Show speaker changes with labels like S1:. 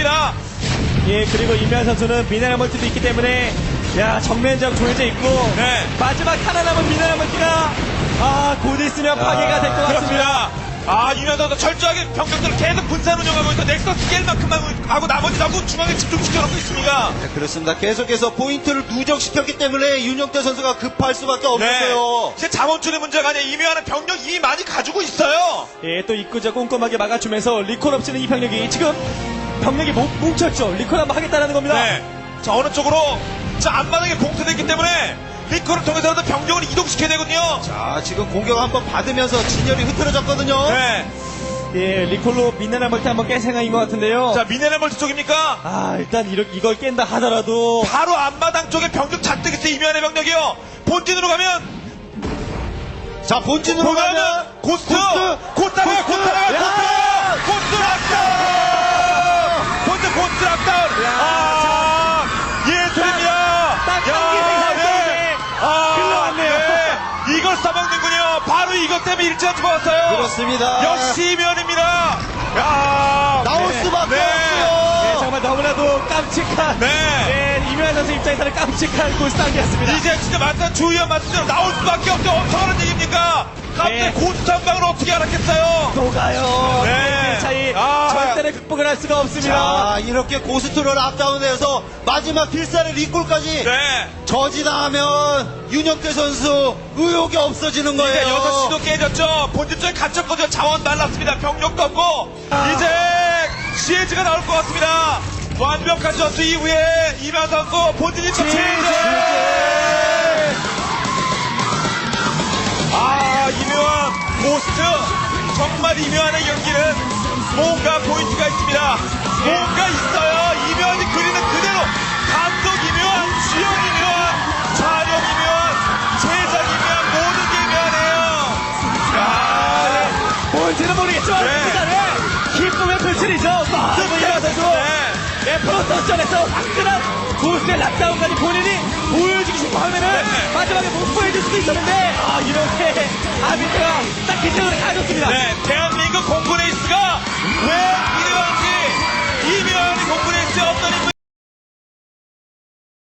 S1: 합니다.
S2: 예, 그리고 임현 선수는 미네랄 멀티도 있기 때문에 야, 정면적 조여져 있고
S1: 네.
S2: 마지막 하나 남은 미네랄 멀티가 곧 있으면 파괴가 될 것 같습니다.
S1: 그렇습니다. 이면 선수 철저하게 병력들을 계속 분산 운영하고 있어 넥서스 깰 만큼만 하고 나머지 전부 중앙에 집중시켜놓고 있습니다.
S3: 네, 그렇습니다. 계속해서 포인트를 누적시켰기 때문에 윤영태 선수가 급할 수밖에 없는데요.
S1: 진짜 자원줄의 문제가 아니라 이면하는 병력 이미 많이 가지고 있어요.
S2: 예, 또 입구자 꼼꼼하게 막아주면서 리콜 없이는 이 병력이 지금 병력이 뭉쳤죠. 리콜 한번 하겠다는 겁니다.
S1: 네. 자, 어느 쪽으로 자 앞마당에 봉쇄됐기 때문에 리콜을 통해서라도 병력을 이동시켜야 되거든요.
S3: 자, 지금 공격 한번 받으면서 진열이 흐트러졌거든요.
S1: 네.
S2: 예, 리콜로 미네랄 멀티 한번 깰 생각인 것 같은데요.
S1: 자, 미네랄 멀티 쪽입니까?
S2: 일단 이걸 깬다 하더라도
S1: 바로 앞마당 쪽에 병력 잔뜩 있어 이면의 병력이요. 본진으로 가면
S3: 자, 본진으로 가면
S1: 고스트
S3: 야!
S1: 고스트 락다운 예술입니다.
S2: 딱 경기 생산성에 흘러왔네요.
S1: 이걸 써먹는군요. 바로 이것 때문에 일찍 죽었어요.
S3: 그렇습니다.
S1: 역시 이면입니다. 야
S3: 나올 수밖에
S2: 예,
S3: 없어요.
S2: 정말 너무나도 깜찍한
S1: 네.
S2: 임현 선수 입장에서는 깜찍한 고스트한이었습니다.
S1: 이제 진짜 맞다 주의원 말씀대로 나올 수밖에 없죠. 엄청난 얘기입니까? 갑자기
S2: 네.
S1: 고스트 한 방을 어떻게 알았겠어요?
S2: 녹아요.
S1: 네.
S2: 차이
S1: 아.
S2: 절대로 극복을 할 수가 없습니다.
S3: 자, 이렇게 고스트를 앞다운해서 마지막 필살의 리콜까지
S1: 네.
S3: 저지당하면 윤영태 선수 의욕이 없어지는
S1: 이제
S3: 거예요.
S1: 6시도 깨졌죠. 본진 쪽에 갇혔거든요. 자원 날랐습니다. 병력도 없고. 이제 시에즈가 나올 것 같습니다. 완벽한 전투 이후에 이면 선수 본진이 또 시에즈! 이묘한 고스트. 정말 이묘한의 연기는 뭔가 포인트가 있습니다. 뭔가 있어요. 이묘한이 그리는 그대로. 감독 이묘한, 지형 이묘한, 촬영 이묘한, 제작 이묘한, 모든 게 이묘하네요.
S2: 뭔지는 모르겠지만
S1: 네.
S2: 일단은 기쁨의 표출이죠. 임현 선수. 네, 프로토스전에서 화끈한 고스트의 락다운까지 본인이 보여주고 싶어 하면은
S1: 네.
S2: 마지막에 못 보여줄 수도 있었는데 이렇게 아비트가 딱 기적으로 가졌습니다.
S1: 네, 대한